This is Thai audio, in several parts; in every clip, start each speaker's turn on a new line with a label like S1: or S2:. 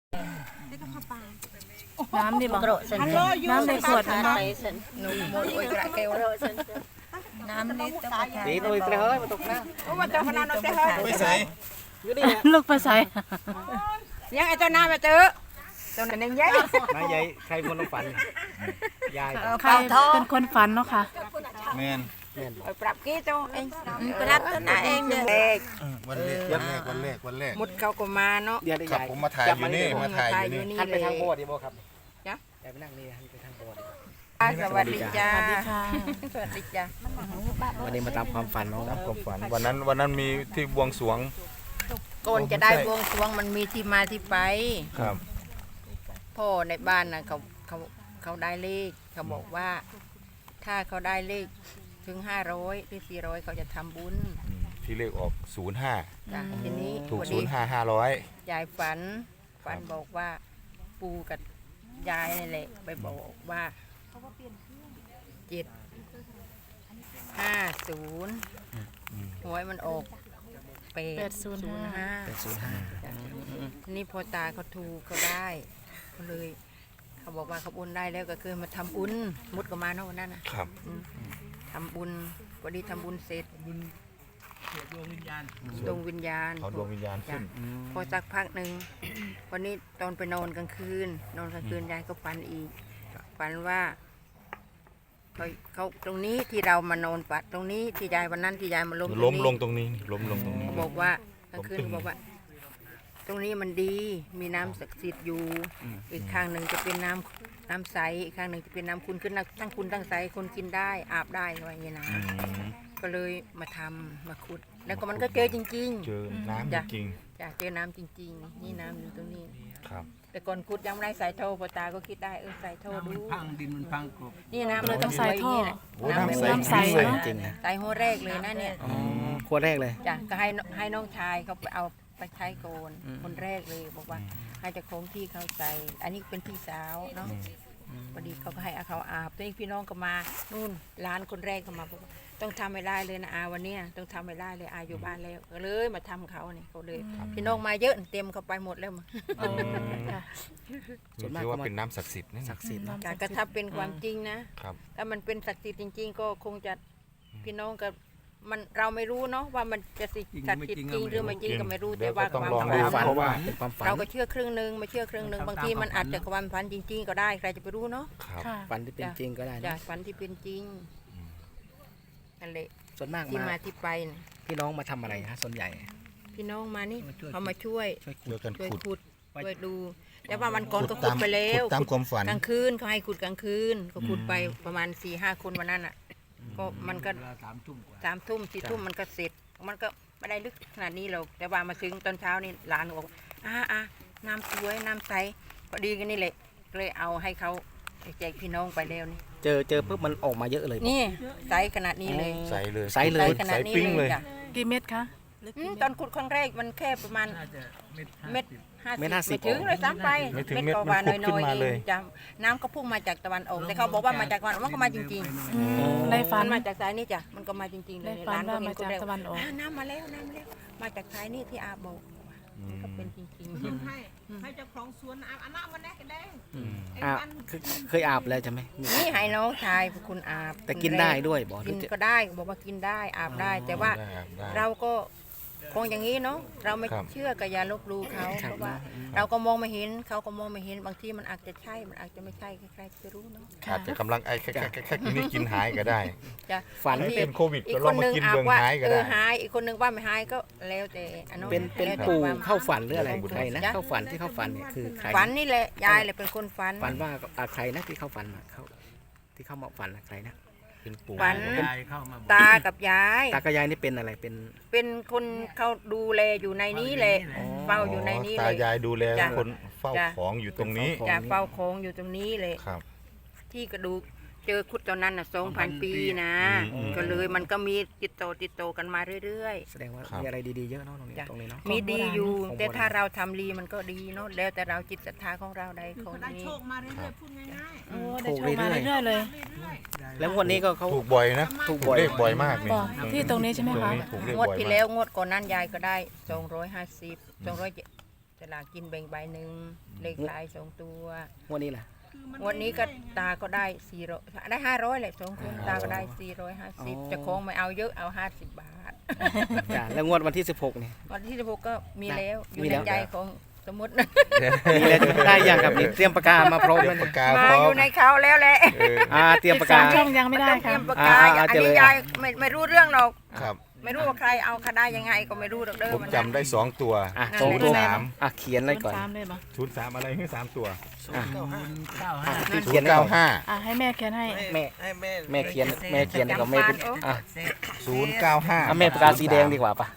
S1: น้ำดิบอกน้ำในขวดนะน้ำนี่ต้อง
S2: ตีnuôi tre hơi mà tục na
S3: ว่าเจ้าพนันเอาแต่เฮ้ย
S4: ไม่ใส่
S1: ลูกไปใส่
S3: ยังไอ้เจ้าหน้ามาเจอเจ้าหน้าหนึ่งยัย
S2: nói vậy khay muôn ông phận dài
S1: ใครเป็นคนฝันเนาะค่ะ
S4: แมน
S3: ปรับกี้เจ้าเองปรับตัวหน้าเองเนี่ย
S4: วันแรก
S3: มุดเขาก็มาเนาะ
S2: giờ đi
S4: ครับ
S2: dài
S4: ผมมาถ่ายอยู่นี่มาถ่ายอยู่นี่
S2: หันไปทางโบสถ์ดิโบครับ
S3: จ๊ะ
S2: แต่ไปนั่งนี่หันไปทางโบสถ์
S3: สวัสดีจ้า
S1: สวัสดีค่ะ
S3: สวัสดีจ้า
S2: วันนี้มาตามความฝันเนาะ
S4: ความฝันวันนั้นมีที่บวงสรวง
S3: ก่อนจะได้บวงสรวงมันมีที่มาที่ไป
S4: ครับ
S3: พ่อในบ้านนะเขาได้เลขเขาบอกว่า ถ้าเขาได้เลขถึง500หรือ400เขาจะทำบุญ
S4: ที่เลขออก05
S3: จ้ะทีนี้
S4: ถูก
S3: พอดี
S4: 05 500
S3: ยายฝันบอกว่าปู่กับยายนี่แหละไปบอกว่า750หวยมันออก805
S2: 805
S3: นี่พอตาเขาถูกเขาได้เขาเลย เขาบอกว่าเขาบุญได้แล้วก็คือมาทำบุญมุดก็มาเนาะวันนั้นนะครับ ทำบุญพอดีทำบุญเสร็จดวงวิญญาณ
S4: เอาดวงวิญญาณขึ้น
S3: พอสักพักหนึ่งวันนี้ตอนไปนอนกลางคืนยายก็ฝันอีกฝันว่าเขาตรงนี้ที่เรามานอนปัดตรงนี้ที่ยายวันนั้นที่ยายมาล้ม
S4: ล้มลงตรงนี้ล้มลงตรงนี้
S3: เขาบอกว่ากลางคืนเขาบอกว่า ตรงนี้มันดีมีน้ำศักดิ์สิทธิ์อยู่อีกข้างหนึ่งจะเป็นน้ำใสอีกข้างหนึ่งจะเป็นน้ำคุณขึ้นทั้งคุณทั้งใสคนกินได้อาบได้อะไรอย่างเงี้ยนะก็เลยมาทำมาขุด แล้วก็มันก็เจอจริงๆ
S4: เจอน้ำจริง
S3: จ้ะเจอน้ำจริงๆนี่น้ำอยู่ตรงนี้
S4: ๆครับ
S3: แต่ก่อนขุดยังไม่ได้ใส่ท่อพอตาก็คิดได้ใส่ท่อดู
S5: พังดินมันพังกบ
S3: นี่น้ำ
S1: เลยต้องใส่ท่อ
S4: โอ้น้ำใส
S1: น้ำใส
S2: จริงนะ
S3: ใส่หัวแรกเลยนะเนี่ย
S2: ขวดแรกเลย
S3: จ้ะก็ให้น้องชายเขาไปเอาไปใช้โกนคนแรกเลยบอกว่าให้เจะคงที่เขาใส่อันนี้เป็นพี่สาวเนาะพอดีเขาก็ให้เอาเขาอาบตัวเองพี่น้องก็มานู่นร้านคนแรกก็มาบอกว่าต้องทำให้ได้เลยนะอาวันเนี้ยต้องทำให้ได้เลยอาอยู่บ้านแล้วก็เลยมาทำเขาเนี่ยเขาเลยพี่น้องมาเยอะเต็มเขาไปหมดแล้วมั้ง
S2: ส่วนมาก
S4: ถือ
S2: ก็
S4: ว่า
S2: มา
S4: เป็นน้ำศักดิ์สิทธิ์นะ
S2: ศักดิ์สิทธิ์เนาะ
S3: แต่ก็ถ้าเป็นความจริงนะครับ ถ้ามันเป็นศักดิ์สิทธิ์จริง ๆ ก็คงจะพี่น้องกับมันเราไม่รู้เนาะว่ามันจะศักดิ์สิทธิ์จริงหรือไม่จริงก็ไม่รู้แต่ว่า
S4: ต้อง
S3: ความ
S4: ลอง
S3: ฝั
S4: ดู
S3: น
S2: ฝัน
S4: เพราะว่า
S2: เป็นความฝัน
S3: เราก็เชื่อครึ่งหนึ่งไม่เชื่อครึ่งหนึ่งบางทีมันอาจจะความฝันจริง ๆ ก็ได้ใครจะไปรู้เนาะ
S4: ครับ
S1: ค่ะ
S2: ฝันที่เป็นจริงก็ได้
S3: จ้ะ
S2: นะ
S3: ฝันที่เป็นจริงนั่นแหละ
S2: ส่วนมาก
S3: ที่
S2: มา
S3: มาที่ไปน่ะ
S2: พี่น้องมาทำอะไรฮะส่วนใหญ่
S3: พี่น้องมานี่เขามาช่วย
S4: ช่วยกัน
S3: ช่วย
S4: ขุด
S3: ขุดช่วยดู แต่ว่าวันก่อนก็ขุดไปแล้ว
S4: ตามความฝัน
S3: กลางคืนเขาให้ขุดกลางคืนก็ขุดไปประมาณ4-5 คนวันนั้นอ่ะก็มันก็
S5: เวลา3 ทุ่มกว่า
S3: 3 ทุ่ม4 ทุ่มมันก็เสร็จ มันก็ไม่ได้ลึกขนาดนี้หรอกแต่ว่ามาถึงตอนเช้านี่หลานบอกน้ำสวยน้ำใสพอดีกันนี่แหละเลยเอาให้เขาแจกพี่น้องไปแล้วนี่
S2: เจอปุ๊บมันออกมาเยอะเลย
S3: นี่ใสขนาดนี้เลย
S4: ใสเลย
S2: ใสเลย
S3: ใสขนาดนี้
S4: ใสปิ้ง
S3: เล
S4: เลย ย
S3: จ้ะ
S1: กี่เม็ดคะ
S3: ตอนขุดครั้งแรกมันแค่ประมาณ
S5: น่าจะเม็ด
S3: เม็ด
S2: เม็ด
S3: 50
S2: 50
S3: ไม่ถึงเลยซ้ำไป
S4: ไม่ถึงเม็ด
S3: กว่า
S4: มันขุด
S3: น้อย
S4: ขึ้นมา
S3: ๆเอ
S4: เลย
S3: งจ้ะน้ำก็พุ่งมาจากตะวันออกแต่เขาบอกว่ามาจากตะวันออกมันก็มาจริง
S1: ใน
S3: ๆ
S1: ฝัน
S3: มันมาจากสายนี้จ้ะมันก็มาจริงๆเล
S1: ใน
S3: ย
S1: ฝัน
S3: ร้
S1: ว่า
S3: เห็
S1: มาจาก
S3: คแร
S1: ตะวันออก
S3: น้ำมาแล้วมาจากสายนี้ที่อาบอกก็เป็นจริงๆ
S6: ให้เจ้าของสวนอาบอันนั้นมันแน่กันได้
S2: เคยอาบแล้วใช่ไหม
S3: นี่ให้น้องชายคุณอาบ
S2: แต่กินได้ด้วยบอก
S3: กินก็ได้บอกว่ากินได้อาบได้ แต่ว่า
S4: ได้
S3: เราก็คงอย่างนี้เนาะเราไม่
S4: ครับ
S3: เชื่อกับยาลบหลู่เขาเพราะว่า เราก็มองไม่เห็นเขาก็มองไม่เห็นบางทีมันอาจจะใช่มันอาจจะไม่ใช่ใครๆจะรู้เนาะ
S4: อาจจะกำลังไอ้แค่กินนี่กินหายก็ได้
S3: จะ
S2: ฝัน
S3: บางที
S4: เป็นโควิด
S3: อี
S4: ก็
S3: ก
S4: ล
S3: ค
S4: อง
S3: น
S4: มา
S3: หนึ่ง
S4: กิน
S3: อาบ
S4: เบือง
S3: ว่า
S4: หายก็ได้
S3: หายอีกคนหนึ่งว่าไม่หายก็แล้วแต่อันนั้น
S2: เป็น
S3: แล้วแต่
S2: ปู่
S3: ความ
S2: เข้าฝันหรืออะไร
S4: บุญ
S2: ใครนะเข้าฝันที่เข้าฝันเนี่ยคือใคร
S3: ฝันนี่แหละยายเลยเป็นคนฝัน
S2: ฝันว่าใครนะที่เข้าฝันมาเขาที่เข้ามาฝันนะใครนะ
S4: เป็นปู่
S3: ฝัน
S5: ยายเข้ามาบอก
S3: ตากับยาย
S2: ตากระยายนี่เป็นอะไรเป็น
S3: เป็นคนเขาดูแลอยู่ในนี้แหละเฝ้าอยู่ในนี้
S4: ตา
S3: เลย
S4: ยายดูแล
S3: จ้ะ
S4: คนเฝ้า
S3: จ้ะ
S4: ของอยู่ตรงนี้
S3: จะเฝ้าโค้งอยู่ตรงนี้เลย
S4: ครับ
S3: ที่กระดูกเจอคุดตอนนั้นน่ะ2,000 ปีนะ
S4: อืม
S3: ก็เลยมันก็มีติดต่อกันมาเรื่อย
S2: แสดงว่า
S4: ครับ
S2: มีอะไรดีๆเยอะเนาะตรงนี้
S3: จ้ะ
S2: ตรงนี้เนาะ
S3: ๆ มีดีอยู่
S2: ของโบราณ
S3: แต่ถ้าเราทำดีมันก็ดีเนาะแล้วแต่เราจิตศรัทธาของเราใดของ
S6: ได้
S3: นี้
S6: โชคมาเรื่อยๆพูดง่าย
S1: โอ้ได้โชคมาเรื่อยๆเลย
S2: แล้วงวันนี้ก็เขา
S4: ถูกบ่อยนะ
S2: ถูกบ่อย
S4: เลขบ่อยมากนี่
S1: บอกที่ตรงนี้ใช่ไหม
S4: ตรง
S1: คะ
S4: นี้ถูกเลข
S3: งวด
S4: บ่อย
S3: ที่
S4: มา
S3: แล้ว
S4: ก
S3: งวดก่อนนั้นยายก็ได้250 200 สลากกินแบ่งใบหนึ่งเลขท้าย2 ตัว
S2: งวดนี้ล่ะ
S3: วันนี้ก็ตาก็ได้400ได้500แหละ2 คนตาก็ได้450เจะคงไม่เอาเยอะเอา50 บาท
S2: จ้ะแล้วงวดวันที่16นี่
S3: วันที่16ก็มีแล้วอยู่
S2: มี
S3: ใน
S2: แล้ว
S3: ใจของสมมติ
S2: มีแล้วได้ยังครับนี่เตรียมปากกามาพร้อม
S4: เตรีย
S2: แล้ว
S4: ม
S2: เนี่ย
S4: ปากกา
S3: มา
S4: พร้อ
S3: อ
S4: ม
S3: ยู่ในเขาแล้วแหละ
S2: เตรียมปากกา
S1: ช่องยังไม่ได้
S3: ต้องเต
S1: ค่ะ
S3: รียมปากกาอัน
S2: เจอ
S3: นี้
S2: เลย
S3: ยายไม่รู้เรื่องหรอก
S4: ครับ
S3: ไม่รู้ว่าใครเอาคได้ยังไงก็ไม่รู้หรอกเด้อ
S4: ผม
S3: มัน
S4: จำได้2 ตัว
S2: สองตัว
S4: 03
S2: เขียนเลยก่อน
S1: 3เลยปะ
S4: 03อะไรคือ3ตัว
S2: เขียนให้ก่อน
S4: 095
S1: ให้แม่เขียนให้
S2: แม่เขียนก็ไม่เป็น
S4: 095
S2: แม่ปากกาสีแดงดีกว่าปะ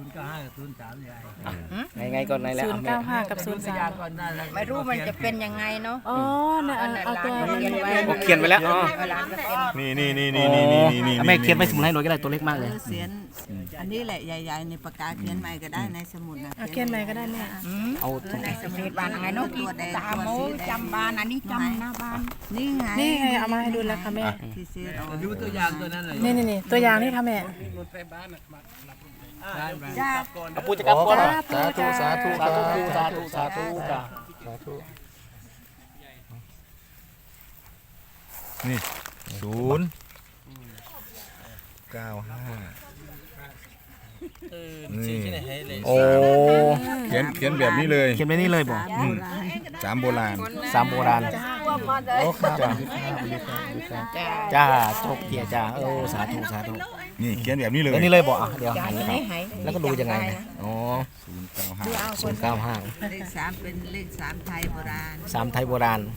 S5: 095
S2: ไงก่อนไหนแล้ว
S1: 095 กับ 03
S3: ไม่รู้มันจะเป็นยังไงเนาะ
S1: อ๋อน่ะเอาตัวมัน
S3: เขียนไว้
S2: ผมเขียนไว้แล้วอ๋อ
S3: เวลาก็เป็น
S4: นี่
S2: แม่เขียนไม่สมุนให้หน่อยก็ได้ตัวเล็กมากเลย
S7: เขียนอันนี้แหละใหญ่ๆในปากกาเขียนใหม่ก็ได้ในสมุดนะ
S1: เอาเขียนใหม่ก็ได้แม่
S2: เอา
S3: ในสมุดบ้านไงเนาะที่ตาโมจำบ้านอันนี้จำหน้าบ้าน
S7: นี่ไง
S1: นี่ไงเอามาให้ดูแล้วค่ะแม่
S7: ที่เสียออก
S5: ดูตัวอย่างตัวนั้นเลย
S1: นี่ตัวอย่างนี่ค่ะแม่
S7: จ้า
S2: เอาปูจะกลับก่อน
S4: สาธุสาธุ
S2: สาธุสาธุสาธุจ้ะ
S4: สาธุนี่095
S2: โอ้
S4: เขียนแบบนี้เลย
S2: เขียนไปนี่เลยบ่
S4: 3 โบราณ
S2: 3โบราณ
S4: โอ้ครับจ้า
S2: จ้าโชคดีจ้าสาธุสาธุ
S4: นี่เขียนแบบนี้เลย
S2: แล้วนี่เลยบ่เดี๋ยวหัน
S3: ไม่หาย
S2: แล้วก็ดูยังไงเนี่ยอ๋อ 095
S7: เลข3เป็นเลข3ไทยโบราณ
S2: 3ไทยโบราณ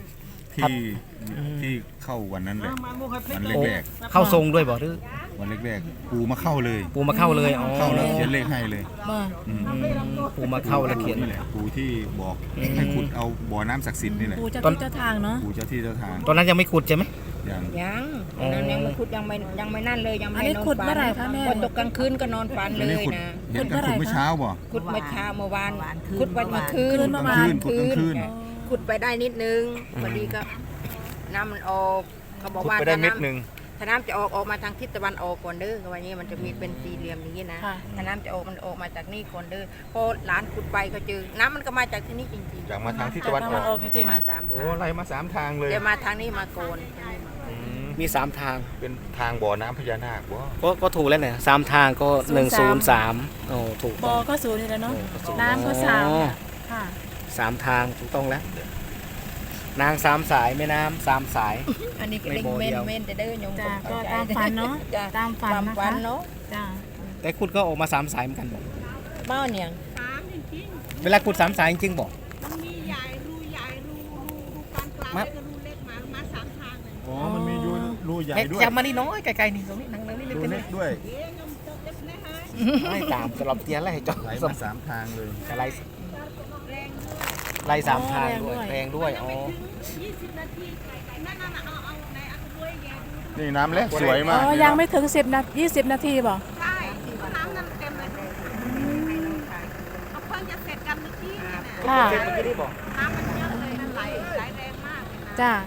S4: ที่เข้าวันนั้นเลยวันแรก
S2: เข้าทรงด้วยบ่หรือ
S4: ๆวันแรกๆปูมาเข้าเลย
S2: ปูมาเข้าเลยอ๋อ
S4: เข้าแล้วเขียนเลขให้เลย
S1: มา
S2: ปูมาเข้าแล้วเขียน
S4: นี่แหละปูที่บอกให้ขุดเอาบ่อน้ำศักดิ์สิทธิ์นี่แหละ
S1: ปู่เจ้าที่เจ้าทางเนาะ
S4: ปูเจ้าที่เจ้าทาง
S2: ตอนนั้นยังไม่ขุดใช่ไหม
S4: อย่าง
S3: ยังนั่นยังไม่ขุดยังไม่นั่นเลยยัง
S1: อัน
S3: ไม่
S1: นี้
S3: นอน
S1: ขุด
S3: ฝั
S1: เมื่อไหร่คะแม่
S3: พอตกกลางคืนก็นอนฝัน
S4: อั
S3: เล
S4: นนี้
S3: ย
S4: ขุด
S3: นะ
S4: เห็นกันขุดเมื่อเช้าบ่
S3: ขุดเมื่อวานขุดวันเมื่อคืน
S1: คืนเมื่อวาน
S4: ขุดกลางคืน
S3: ขุดไปได้นิดนึงพอดีก็น้ำมันออกเขาบอก
S4: ขุด
S3: ว่า
S4: ไปได้เม็ดหนึ่ง
S3: ถ้าน้ำจะออกมาทางทิศตะวันออกก่อนเด้อวันนี้มันจะมีเป็นสี่เหลี่ยมอย่างนี้นะ
S1: ค่ะ
S3: ถ้าน้ำจะออกมันออกมาจากนี่ก่อนเด้อพอหลานขุดไปก็เจอน้ำมันก็มาจากที่นี่จริง
S4: จากมาทางที่ตะวันอ
S1: มา
S4: อก
S1: ออกจริง
S3: ๆมาสาม
S4: โอ้
S3: ทาง
S4: ไล่มา3 ทางเลย
S3: เดี๋ยวมาทางนี้มาโกน
S4: อืม
S2: มี3ทาง
S4: เป็นทางบ่อน้ำพญานาคบ่
S2: ก็ถูกแล้วเนี่ย3ทางก็103โอ้ถูก
S1: ๆบ
S2: ต้
S1: อ
S2: อง
S1: ก็ศูนย์นี่แหล้วเนาะ
S2: ศูย์
S1: น้ำก็สามค่ะ
S2: 3ทางถูกต้องแล้ว นาง3สายแม่น้ำ3สาย
S3: อันนี้ก็
S2: ไม่
S3: เล่ง
S2: โบ
S3: เม
S2: เดี
S3: น
S2: ยว
S3: เมนจะเด้อโยม
S1: จ้าก็ตามฝันเนาะ
S3: จ้ะ
S1: ตามฝัน
S3: ตาม
S1: นะ
S3: ฝั
S1: คะ
S3: นเนาะ
S1: จ้า
S2: แต่ขุดก็ออกมา3สายเหมือนกันบอก
S3: เบ้าเนี่ย
S2: เวลาขุด3สายจริงๆบอก
S6: มันมีใหญ่รูใหญ่รูปานกลาง
S2: มา
S6: แล้วก็รูเล็กมา3 ทางเลย
S4: อ๋อมันมีรูใหญ่
S2: แม่
S4: ด้วย
S2: จับมานี่น้อยไกลๆนี่ตรงนี้นั่งนี่
S4: รู
S2: เป็น
S4: เล็กด้วย
S6: เอ๊ะยมตกเล็กนะฮะ
S2: ไม่ตามสลับเตียนแล้วให้จอด
S4: ไหล
S2: ส
S4: มา3 ทางเลย
S2: ไล่ไล่3ทางด้วยแรงด้วยอ๋อ
S6: 20 นาทีนั่นเอาในอันด้วยแย่ดู
S4: นี่น้ำแรกสวย
S1: อ๋
S4: มาก
S1: อยังไม่ถึง20 นาทีบ่
S6: ใช่น้ำนั่นเต็มเลยเอาเพิ่งจะเสร็จกันเมื่อกี้เนี่ยนะ
S1: ค่ะ
S6: น้ำมันเยอะเลยมันไหลแรงมากเลยนะ
S1: จ้า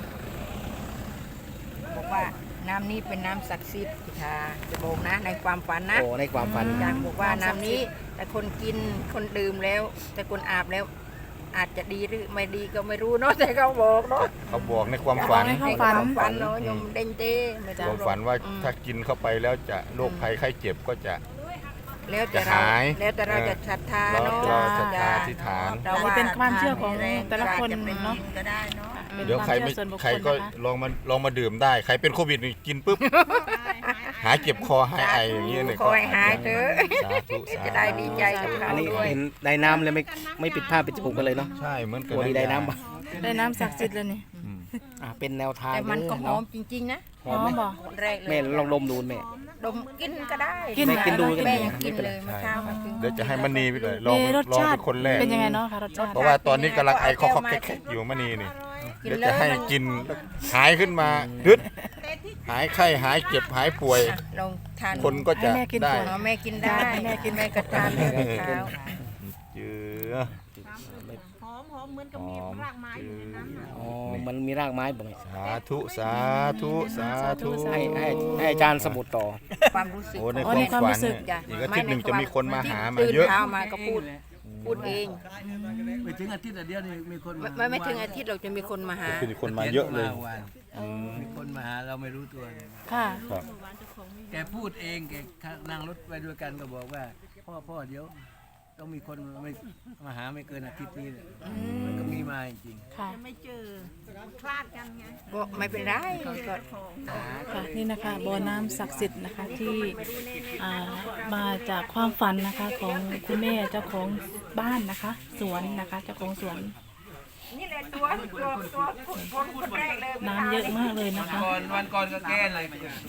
S3: บอกว่าน้ำนี้เป็นน้ำศักดิ์สิทธิ์ค่ะจะบอกนะในความฝันนะ
S2: โอ้ในความฝัน
S3: อยากบอกว่าน้ำนี้แต่คนกินคนดื่มแล้ว แต่คนอาบแล้ว อาจจะดีหรือไม่ดีก็ไม่รู้เนาะแต่เขาบอกเนาะ
S4: เขาบอกในความฝัน
S1: ใน
S3: ในความฝันเนาะโยมเด้งเต้ไม่
S4: ค
S3: ได้
S4: วามฝันว่าถ้ากินเข้าไปแล้วจะโรคภัยไข้เจ็บก็จะ
S3: แล้วแต่
S4: จะ
S3: เรา
S4: หาย
S3: แล้วแต่เราจะศรัทธาเนาะ
S4: เราศรัทธาอธิษฐาน
S3: เรา
S1: อันนี้เป็นความเชื่อของแต่ละคนเนาะ
S7: ก็ได้เนาะ
S1: เป็น
S4: เดี๋ยว
S1: ความ
S4: ใครไม่
S1: เชื่อส่วนบุคค
S4: ใคร
S1: ล
S4: ก็
S1: นะคะ
S4: ลองมาดื่มได้ ใครเป็นโควิดนี่กินปุ๊บ หายเจ็บคอหายไออย่างเงี้ยเนี่ย
S3: คอยหายเถอะ
S4: สาธุสาธุ
S3: จะได้ดีใจกับเขา
S2: อันนี้
S3: ด้วย
S2: เห็นได้น้ำเลยไม่ปิดผ้าปิดจมูกกันเลยเนาะ
S4: ใช่เหมือนกัน
S2: ตัวนี้ได้น้ำปะ
S1: ได้น้ำศักดิ์สิทธิ์เลยนี่
S4: อืม
S2: เป็นแนวทาง
S3: แต่มันก็หอ
S2: เนาะ
S3: มจริงๆนะ
S2: หอมไหม
S1: บ่
S3: คนแรกเลย
S2: แม่ลองดมดูแม่
S3: ดมกินก็ได้
S1: กิน
S2: แม่กินดูกัน
S3: แม่
S2: ดี
S3: ยัง
S2: นะ
S3: กิน
S2: ไม่เป็น
S3: เล
S2: ไร
S3: ยเมื่อเช้ามากิน
S4: เดี๋ยวจะให้มณีไปเลยลอง
S1: มีรส
S4: ลอง
S1: ชา
S4: เป็
S1: ติ
S4: นคนแรก
S1: เป็นยังไงเนาะคะรสชาติ
S4: เพราะว่าตอนนี้กำลังไอคอกๆแคกๆอยู่มณีนี่เดี๋ยวจะให้กินหายขึ้นมาดึดหายไข้หายเจ็บหายป่วย
S3: ลองทาน
S4: คนก็จะได้
S3: อ๋อแม่กินได้แม่กินแม่ก็ทานเลยเช้า
S4: เจือ
S6: หอมเหมือนกับมีรากไม้อยู่ในนั้นน่ะ
S2: อ๋อมันมีรากไม้บ่ไหม
S4: สาธุสาธุสาธุ
S2: ให้อาจารย์สมุดต่อ
S3: ความรู้สึก
S4: โอ้ใน
S1: อ๋อในความ
S4: ความฝัน
S1: รู้สึก
S4: เนี่ยอีกอาทิตย์หนึ่งจะมีคนมาหามา
S3: ตื่น
S4: เยอะ
S3: เช้ามาก็พูดพูดเอง
S5: ไปถึงอาทิตย์เดียวนี่มีคนมา
S3: ไม่ถึงอาทิตย์เราจะมีคนมาหา
S4: คือคนมาเยอะเลย
S5: มีคนมาหาเราไม่รู้ตัวเลย
S1: ค่ะ
S4: ครับ
S5: แกพูดเองแกนั่งรถไปด้วยกันก็บอกว่าพ่อเดี๋ยวต้องมีคนมาหาไม่เกินอาทิตย์นี้เลยมันก็มีมาจริง
S1: ค่ะ
S6: ไม่เจอคลาดกันไง
S3: ก็ไม่เป็นไรก็
S1: ค่ะนี่นะคะบ่อน้ำศักดิ์สิทธิ์นะคะที่มาจากความฝันนะคะของคุณแม่เจ้าของบ้านนะคะ สวนนะคะเจ้าของสวน
S3: นี่แหละตัวคนแรกเลย
S1: น้ำเยอะมากเลยนะคะ
S5: วันก่อนก็แก้อะไร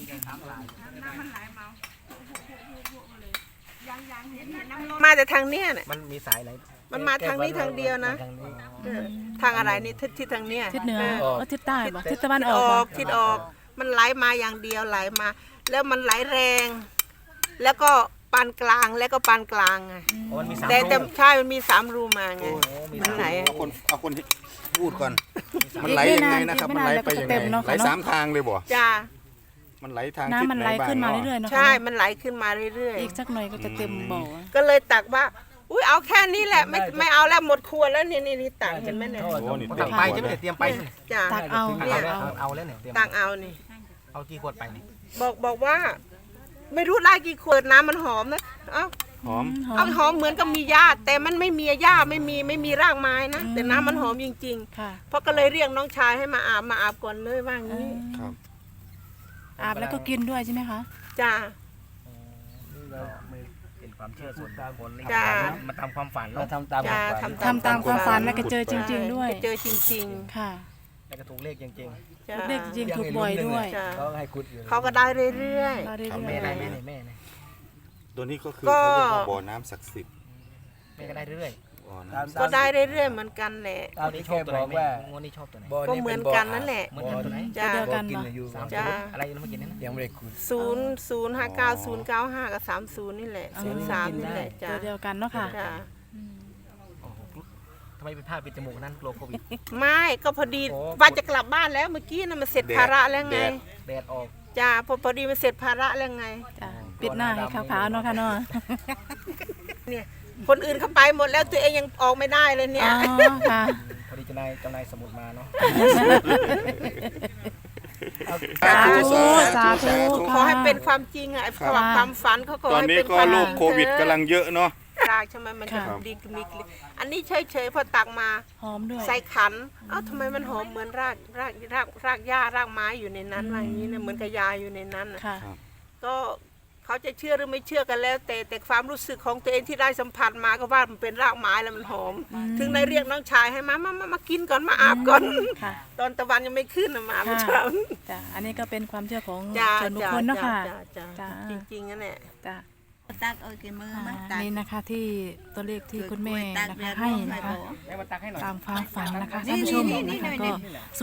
S6: มาแต่ทางเนี้ยเนี่ย
S2: มันมีสายไหน
S6: มันมาทางนี้ทางเดียวนะ
S2: ทางนี้
S6: ทางอะไรนี่ทิศทางเนี้ย
S1: ทิศเหนือทิศใต้บ่ทิศตะวันอ
S6: อ
S1: อกบ่
S6: อกทิศออก มันไหลมาอย่างเดียวไหลมา แล้วมันไหลแรง แล้วก็ปานกลางแล้วก็ปานกลางไง
S2: อ๋อมันมีสาม
S6: แต่
S2: รูป
S6: ใช่มันมี3 รูมาไง
S2: มี
S6: มันไหล
S4: เอาคนที่พูดก่อน มันไหลยังไงนะครับ มันไหลไปยังไงไหล3 ทางเลยบ่
S6: จ้า
S4: มันไหลทาง
S1: น้ำมันไหลขึ้นมาเรื่อยๆเนาะ
S6: ใช่มันไหลขึ้นมาเรื่อย
S1: อีกสักหน่อยก็จะเต็มบ่อ
S6: ๆ ก็เลยตักว่า อุ้ยเอาแค่นี้แหละไม่เอาแล้วหมดครัวแล้วนี่ตักเห็นไหมเนี่ย
S4: โอ้นี่
S2: ตักไปใช่ไหมเนี่ยเตรียมไปใช่ไหม
S6: จ้า
S1: ตักเอา
S6: เนี่ย
S2: เอาแล้วเนี่ยเตรียม
S6: ตักเอานี่
S2: เอากี่ขวดไปนี่
S6: บอกว่า ไม่รู้ได้กี่ขวดน้ำมันหอมนะเอ้า
S4: หอม
S6: เอาหอมเหมือนกับมีหญ้าแต่มันไม่มีหญ้าไม่มีรากไม้นะแต่น้ำมันหอมจริง
S1: ค่ะ
S6: ๆเพราะก็เลยเรียกน้องชายให้มาอาบก่อนเลยว่างี้
S4: ครับ
S1: อาบแล้วก็กินด้วยใช่ไหมคะ
S6: จ้า
S2: เป็นความเชื่อส่วนบุคคล
S6: จ้า
S2: มาทำความฝัน
S5: เรา
S2: เนาะ
S5: ทำตาม
S6: จ้า
S1: ทำตามความฝันแล้วก็เจอจริง ๆ ด้วย
S6: เจอจริง
S1: ค่ะ
S2: แล้วก็ถูกเลขจริง
S6: ๆจ้า
S1: เลขจริงถูกบ่อยด้วย
S6: จ้า
S5: เขาให้คุดอยู่
S6: เขาก็ได้เรื่อย
S1: เราได้
S2: ๆ
S1: เรื่
S2: แม่
S1: อย
S2: ได้แม่เนี่ยแม่เนี่ย
S4: ตัวนี้ก็คือ
S6: ก็
S4: เขาเรียกว่าบ่อน้ำศักดิ์สิทธิ์
S2: แม่ก็ได้เรื่อย
S4: บ่อน้ำ
S6: ๆ ก็ได้เรื่อยๆเหมือนกันแหละ
S2: ๆงวดนี้ชอบตัวไหนแม่งวดนี้ชอบตัวไหน
S6: ก็เหมือนกันนั่นแหละ
S2: เหมือนกันตัวไหน
S6: จ้า
S1: เดียวกัน
S5: กิน
S1: เนาะ
S5: อยู่
S2: สาม
S6: จ้า
S2: ศูนย์อะไรนะเมื่อกี้นี่นะ
S5: ยังไม่ได้คุด
S6: 05059 095 กับ 30 นี่แหละ 03 นี่แหละจ้า
S1: ตัวเดียวกันเนาะค่ะ
S6: จ้า
S2: โอ้โหทำไมเป็นผ้าปิดจมูกนั่นกลัวโควิด
S6: ไม่ก็พอดี
S2: โอ้
S6: ว่าจะกลับบ้านแล้วเมื่อกี้น่ะมันเสร็จภาระแล้วไง
S2: แดดออก
S6: จ้าพอดีมันเสร็จภาระแล้วไง
S1: จ้ะปิดหน้าให้ขาวๆเนาะค่ะเนาะ
S6: เนี่ยคนอื่นเขาไปหมดแล้วตัวเองยังออกไม่ได้เลยเนี่
S1: อ๋
S6: ย
S1: อค่ะ
S2: พอดีเจ้านายสมุดมาเนาะ
S1: สาธุสาธุ
S6: ขอให้เป็นความจริงอ่ะไอ้ความฝันเขาขอ
S4: ตอน
S6: ให้
S4: นี้
S6: เป็น
S4: ก็
S6: ความ
S4: โร
S6: จ
S4: ค
S6: ริง
S4: โควิดกำลังเยอะเนาะ
S6: รากใช่ไหมมันจะ
S1: ครับ
S6: ดีมีกลิ่นอันนี้เฉยๆพอตักมา
S1: หอมด้วย
S6: ใส่ขันเอ้าทำไมมันหอมเหมือนรากหญ้ารากไม้อยู่ในนั้นว่าอย่างนี้นะเหมือนกับยาอยู่ในนั้นน่ะ
S1: ค่ะ
S6: ก็เขาจะเชื่อหรือไม่เชื่อกันแล้ว แต่ความรู้สึกของตัวเองที่ได้สัมผัสมาก็ว่ามันเป็นรากไม้แล้วมันหอม ถึงได้เรียกน้องชายให้มากินก่อนมาอาบก่อน
S1: ค่ะ
S6: ตอนตะวันยังไม่ขึ้นน่ะมาไม่
S1: ค่ะ
S6: เช้า
S1: จ้ะอันนี้ก็เป็นความเชื่อของ
S6: จ้า
S1: ส่วนบุคคลเนาะค่ะ
S6: จ้า
S1: จ้า
S6: จริงๆนั่นแหละ
S1: จ้ะ
S7: ตักเอากี่มือมาตัก
S1: นี่นะคะที่ตัวเลขที่คุณแม่
S7: ตัก
S1: นะ
S7: เดื
S1: คะ
S7: อด
S1: ให้
S7: ร้อน
S1: นะคะ
S2: แม่มาตักให้หน่อย
S1: ตามความฝันนะคะท่านผู้ชมนะคะก็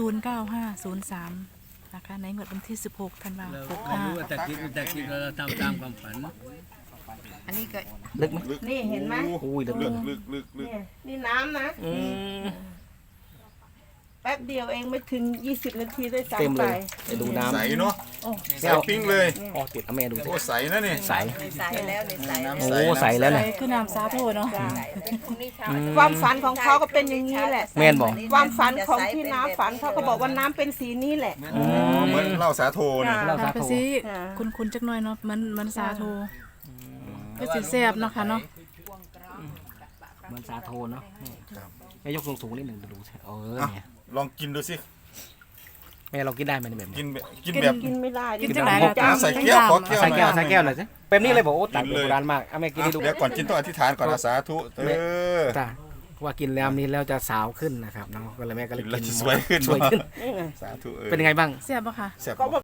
S1: 09503นะคะในงวดวันที่ 16 ธันวา
S5: เรา
S1: คม
S5: ไม่รู้ว่าแต่คิดเราทำตามความฝัน
S3: อันนี้ก็
S2: ลึกไหม
S6: นี่เห็นไหม
S2: โอ้ยลึก
S4: ลึก
S6: เนี่ยนี่น้ำนะ
S2: อืม
S6: แป๊บเดียวเองไม่ถึง 20 นาทีด้วย
S2: เต็ม
S6: ซ้ำไป
S2: เลยไปดูน้ำ
S4: ใสเนาะ ใสปิ้งเลย
S2: อ๋อติดเอาแม่ดูสิ
S4: โอ้ใสนะนี่
S2: ใส
S3: ใส่แล้วเนี่ยใส่
S4: น้ำ
S2: โอ้
S4: ใส
S2: ใสแล้ว
S1: ใส่
S2: เนี่ย
S1: คือน้ำสาธุเนาะ
S3: พรุ่งนี้เช้า
S6: ความฝันของเขาก็เป็นอย่างนี้แหละ
S2: แม่นบอก
S6: ความฝันของที่น้าฝันเขาก็บอกว่าน้ำเป็นสีนี้แหละ
S4: อ๋อเหมือนเหล้าสาโทเนี่ย
S2: เราสา
S1: ไป
S2: ธุ
S1: สิ
S6: ค่ะ
S1: คุณจักหน่อยเนาะมันสาธุก็สิแซ่บเนาะค่ะเนาะ
S2: เหมือนสาโทเนาะแม่ยกสูงๆนิดหนึ่งดูสิเออ
S4: อ่ะ
S2: เนี่ย
S4: ลองกินดูสิ
S2: แม่เรากินได้ไหมเนี่ยแบบ
S4: กิ
S2: นี้
S4: นแบบกินแบบ
S6: กินไม่ได้
S1: กินจังไหน
S4: เอา
S1: ล่ะ
S4: ใส่แก้วขอแก้ว
S2: ใส่แก้ว
S4: หน่อย
S2: ใส่แก้วหน่อยสิแบบนี้เลยบอกโอ้ตัก
S4: กินเลย
S2: โบราณมากเอาแม่กินให้ดู
S4: เดี๋ยวก่อนกินต้องอธิษฐานก่อนนะสาธุอ
S2: จ้าว่ากินแล้วนี้แล้วจะสาวขึ้นนะครับเนาะก็เลยแม่ก็เลย
S4: กินแล้ว
S2: กิน
S4: จะสวยขึ้น
S2: สวยขึ้น
S4: สาธุ
S2: เป็นยังไงบ้าง
S1: แซ่บปะคะ
S4: แซ่บ
S6: ก็
S4: บ่